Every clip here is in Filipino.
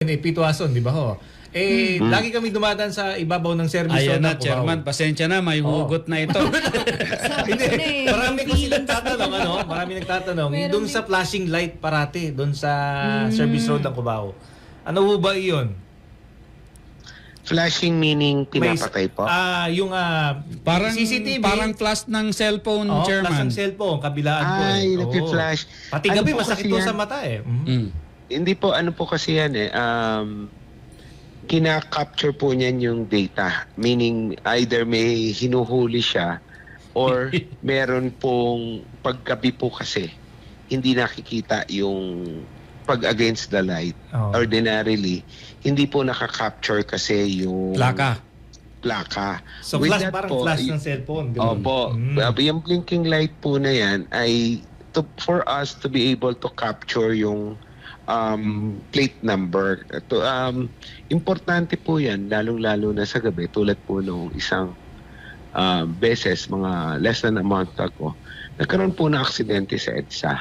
yun eh, Pitwason, di ba ho? Lagi kami dumadaan sa ibabaw ng service Ayan road na, ng Cubao. Chairman. Pasensya na, may hugot na ito. Hindi, marami kasi nagtatanong, marami nagtatanong, doon sa flashing light parati, doon sa service road ng Cubao. Ano ho ba iyon? Flashing meaning pinapatay po? Yung Parang CCTV. parang flash ng cellphone, Flash Chairman. ng cellphone, kabilaan po. Ay, Oo. nagpi-flash. Pati Ano gabi, po masakit kasi po yan? sa mata eh. Hindi po, ano po kasi yan eh. Kina-capture po niyan yung data. Meaning, either may hinuhuli siya or meron pong paggabi po kasi hindi nakikita yung pag against the light. Oo. Ordinarily, hindi po nakaka-capture kasi yung Plaka. So With flash, that parang po, flash ng cellphone. ganun. Opo. Yung blinking light po na yan ay for us to be able to capture yung plate number. Importante po yan, lalong-lalo na sa gabi, tulad po nung isang beses, mga less than a month ago, nagkaroon po na aksidente sa EDSA.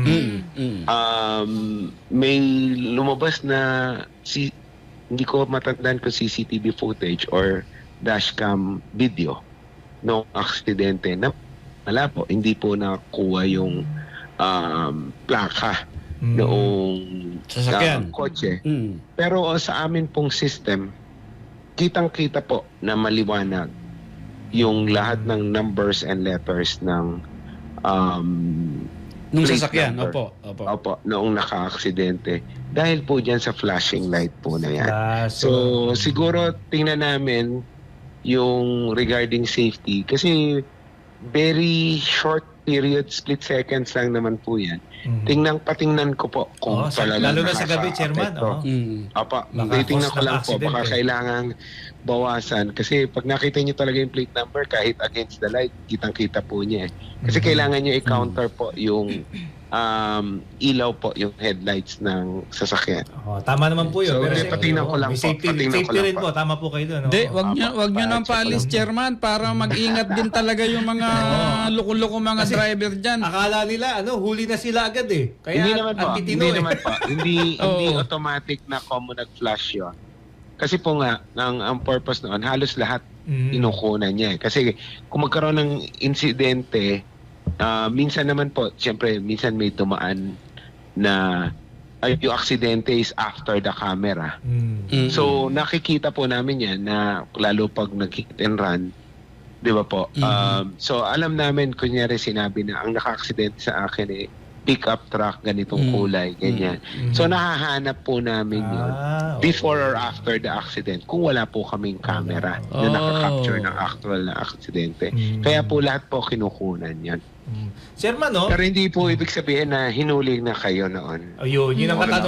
May lumabas na, hindi ko matandaan kung CCTV footage or dashcam video ng aksidente na wala po, hindi po nakuha yung plaka noong Sasakyan. kotse. Pero sa amin pong system, kitang-kita po na maliwanag yung lahat ng numbers and letters ng Nung plate sasakyan, number. opo. Noong naka-aksidente. Dahil po dyan sa flashing light po na yan. So, So, siguro tingnan namin yung regarding safety kasi very short period, split seconds lang naman po yan. Patingnan ko po kung talagang lalo na sa gabi, Chairman. nakaka-apekto. Apa, Baka titingnan cause ko ng lang po, baka accident, kailangan bawasan. Kasi pag nakita nyo talaga yung plate number, kahit against the light, kitang-kita po niya eh. Kasi kailangan nyo i-counter po yung ilaw po, yung headlights ng sasakyan. Tama naman po yun. So, pero patingnan ko lang may po, safety, patingnan ko safety lang rin po. po. Tama po kayo doon. Hindi, wag nyo nang paalis, Chairman, para mag-ingat din talaga yung mga loko-loko mga driver dyan. Akala nila, huli na sila agad eh. Kaya Hindi naman po. antitino Hindi eh. naman po. Hindi Oo. automatic na common nag-flash yun. Kasi po nga, ang purpose noon, halos lahat inukunan niya eh. Kasi kung magkaroon ng insidente, minsan naman po, siyempre, minsan may dumaan na yung aksidente is after the camera. So, nakikita po namin yan na lalo pag nag-hit and run, di ba po? So, alam namin, kunyari sinabi na ang naka-aksidente sa akin eh, pick-up truck, ganitong kulay, ganyan. So, nahahanap po namin yun before or after the accident kung wala po kaming camera na nakaka-capture ng actual na aksidente. Kaya po lahat po kinukunan yan. Chairman, Pero hindi po ibig sabihin na hinuli na kayo noon. Ayun, yun ang katanungan.